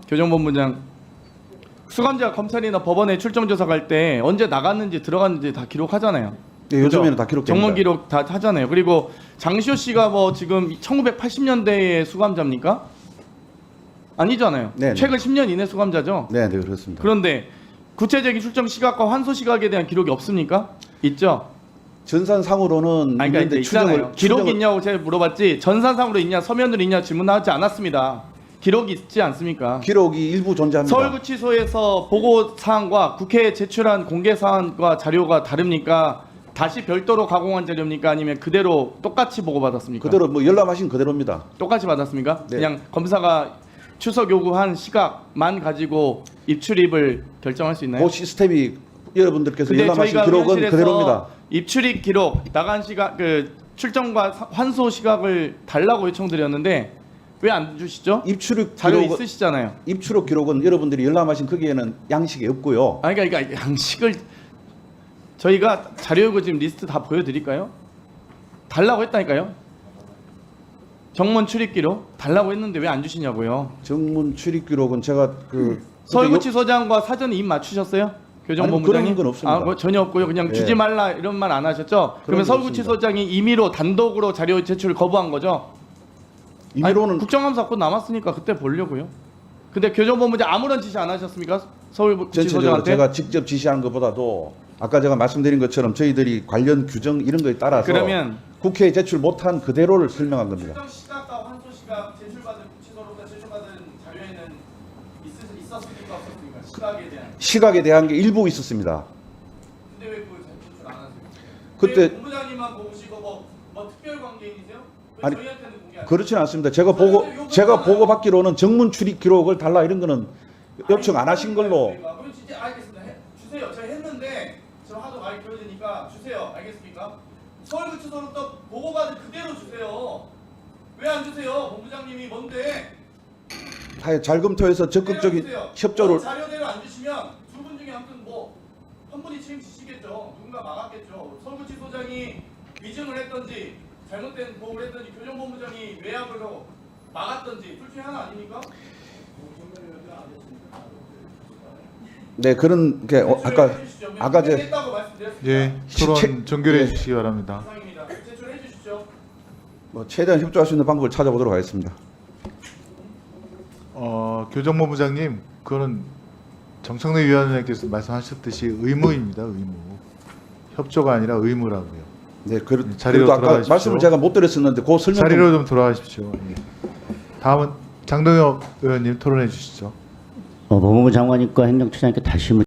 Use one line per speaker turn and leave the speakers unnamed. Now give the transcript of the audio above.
교정본부장, 수감자 검찰이나 법원에 출정조사 갈 때 언제 나갔는지 들어갔는지 다 기록하잖아요.
네, 요즘에는 다 기록됩니다.
정문 기록 다 하잖아요. 그리고 장시호 씨가 뭐 지금 1980년대의 수감자입니까? 아니잖아요.
네,
최근 10년 이내 수감자죠.
네, 네, 그렇습니다.
그런데 구체적인 출정 시각과 환소 시각에 대한 기록이 없습니까? 있죠.
전산상으로는
아니, 그러니까
있는데
있잖아요. 기록이
추정을-
있냐고 제가 물어봤지 전산상으로 있냐 서면으로 있냐 질문하지 않았습니다. 기록이 있지 않습니까?
기록이 일부 존재합니다.
서울구치소에서 보고 사항과 국회에 제출한 공개 사항과 자료가 다릅니까? 다시 별도로 가공한 자료입니까? 아니면 그대로 똑같이 보고받았습니까?
그대로 뭐 열람하신 그대로입니다.
똑같이 받았습니까?
네.
그냥 검사가 추석 요구한 시각만 가지고 입출입을 결정할 수 있나요?
그 시스템이 여러분들께서
근데
열람하신
저희가
기록은
의원실에서
그대로입니다.
입출입 기록, 나간 시각, 그 출정과 환소 시각을 달라고 요청드렸는데 왜 안 주시죠?
입출입
자료
기록은
있으시잖아요.
입출입 기록은 여러분들이 열람하신 거기에는 양식이 없고요.
아니 그러니까 양식을 저희가 자료 요구 지금 리스트 다 보여드릴까요? 달라고 했다니까요. 정문 출입 기록 달라고 했는데 왜 안 주시냐고요.
정문 출입 기록은 제가
서울구치소장과 사전에 입 맞추셨어요? 교정본부장님?
아니, 그런 건 없습니다.
그거 전혀 없고요. 그냥
예.
주지 말라 이런 말 안 하셨죠? 그러면
건
서울구치소장이 임의로 단독으로 자료 제출을 거부한 거죠?
임의로는
아니, 국정감사 곧 남았으니까 그때 보려고요. 근데 교정본부장 아무런 지시 안 하셨습니까?
전체적으로
서울구치소장한테?
제가 직접 지시한 것보다도 아까 제가 말씀드린 것처럼 저희들이 관련 규정 이런 거에 따라서
그러면
국회에 제출 못한 그대로를 설명한 겁니다.
출정 시각과 환소 시각 제출받은 구치소로부터 제출받은 자료에는 있었습니까 없었습니까? 시각에 대한.
시각에 대한 게 일부 있었습니다.
근데 왜 그걸 제출 안 하세요?
그때-
왜 본부장님만 보시고 뭐 특별 관계인이세요? 왜
아니,
저희한테는 공개 안 해요?
그렇지는 않습니다. 제가 보고 받기로는 정문 출입 기록을 달라 이런 거는 요청 안 하신 걸로.
그럼 진짜 알겠습니다. 주세요. 제가 했는데 지금 하도 많이 길어지니까 주세요. 알겠습니까? 서울구치소로부터 보고받은 그대로 주세요. 왜 안 주세요? 본부장님이 뭔데?
하여 잘 검토해서 적극적인
주세요.
협조를
자료대로 안 주시면 두 분 중에 아무튼 뭐 한 분이 책임지시겠죠. 누군가 막았겠죠. 서울구치소장이 위증을 했던지 잘못된 보고를 했던지 교정본부장이 외압을 하고 막았던지 둘 중에 하나 아닙니까?
네 그런 게 아까 제
했다고 말씀드렸습니다.
예, 토론
시-
종결해
예.
주시기 바랍니다.
이상입니다. 제출해 주십시오.
뭐 최대한 협조할 수 있는 방법을 찾아보도록 하겠습니다.
교정본부장님, 그거는 정청래 위원장께서 말씀하셨듯이 의무입니다. 의무. 협조가 아니라 의무라고요.
네,
자리로
그래도 아까
돌아가십시오.
말씀을 제가 못 드렸었는데 그 설명 좀
자리로 좀 돌아가십시오. 예. 다음은 장동혁 의원님 토론해 주시죠.
법무부 장관님과 행정처장님께 다시